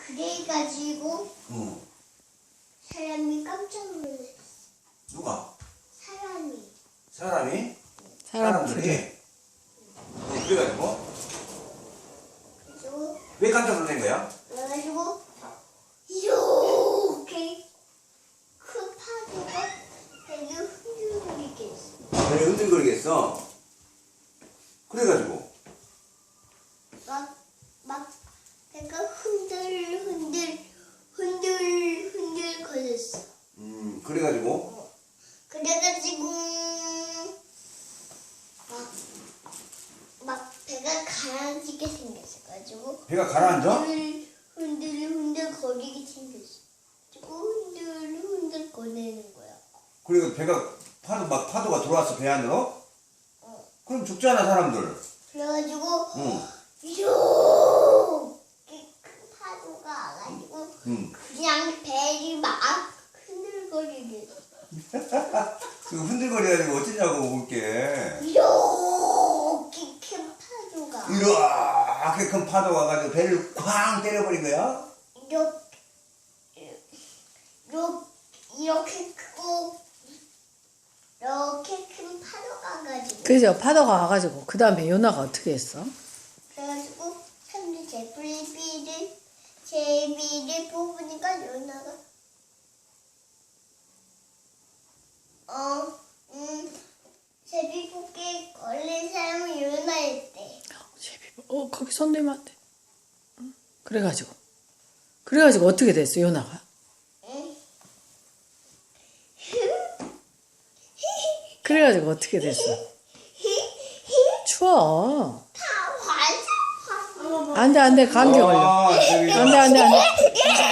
그래가지고 응. 사람이 깜짝 놀랐어. 누가? 사람이. 사람이? 사람들이. 그래가지고 그래서 왜 깜짝 놀란 거야? 그래가지고 이렇게 큰 파도가 되게 흔들거리게 했어. 왜 흔들거리겠어? 그래가지고 막 배가 흔들 거렸어. 그래가지고 그래가지고 막 배가 가라앉게 생겼어가지고 배가 가라앉아? 흔들 거리게 생겼어. 그리고 흔들 거리는 거야. 그리고 배가 파도가 들어왔어 배 안으로? 그럼 죽잖아 사람들. 그래가지고 응. 이렇게 큰 파도가 와가지고 응. 그냥 배를 막 흔들거리게 그 흔들거려가지고 어쩌냐고 볼게. 이렇게 큰 파도가 이렇게 큰 파도가 와가지고 배를 쾅 때려버린 거야? 이렇게 크고 이렇게 큰 파도가 가지고 그죠? 파도가 와가지고 그 다음에 요나가 어떻게 했어? 그래가지고 사람들이 제비를 뽑으니까 연아가 제비 뽑기에 걸린 사람은 연아였대. 제비, 거기 손 대면 안 돼. 응? 그래가지고 어떻게 됐어, 요나가? 응? 그래가지고 어떻게 됐어? 추워. 다 환상. 안 돼, 감기 걸려. 저기 안 돼.